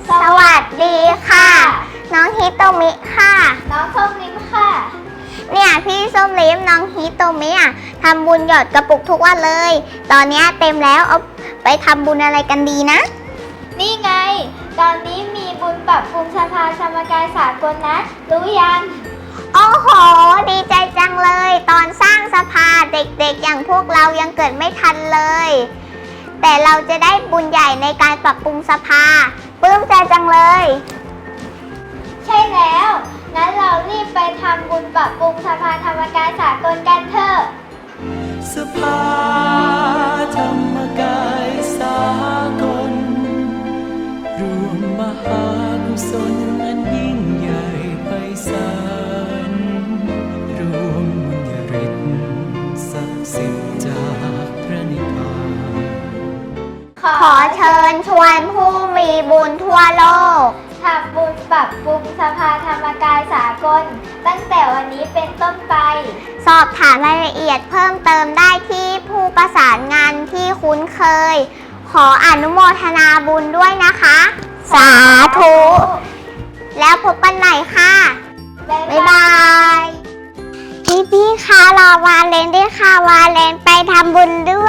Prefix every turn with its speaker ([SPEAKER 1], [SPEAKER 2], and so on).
[SPEAKER 1] สวัสดีค่ะ น้องฮิโตมิค่ะน้องส้มลิ้มค่ะเนี่ยพี่ส้มลิ้มน้องฮิโตมิทำบุญหยอดกระปุกทุกวันเลย ตอนนี้เต็มแล้วเอาไปทำบุญอะไรกันดีนะ
[SPEAKER 2] นี่ไง ตอนนี้มีบุญปรับปรุงสภาสมการสากลนะ รู้ยัง
[SPEAKER 1] โอ้โห ดีใจจังเลย ตอนสร้างสภาเด็กๆอย่างพวกเรายังเกิดไม่ทันเลย แต่เราจะได้บุญใหญ่ในการปรับปรุงสภาปลื้มใจจังเลย
[SPEAKER 2] ใช่แล้ว งั้นเรารีบไปทำบุญปรับปรุงสภาธรรมการสากลกันเถอะ
[SPEAKER 3] สภาธรรมกายสากลรวมมหากุศลอันยิ่งใหญ่ไพศาลรวมบุญญาฤทธิ์ศักดิ์สิทธิ์จากพระนิพพาน
[SPEAKER 1] ขอเชิญชวนผู้มีบุญทั่วโลก
[SPEAKER 2] ทำบุญปรับปรุงสภาธรรมกายสากล ตั้งแต่วันนี้เป็นต้นไป
[SPEAKER 1] สอบถามรายละเอียดเพิ่มเติมได้ที่ผู้ประสานงานที่คุ้นเคย ขออนุโมทนาบุญด้วยนะคะ สาธุ แล้วพบกันใหม่ค่ะ บ๊ายบาย พี่คะรอวาเลนด้วยค่ะ วาเลนไปทำบุญด้วย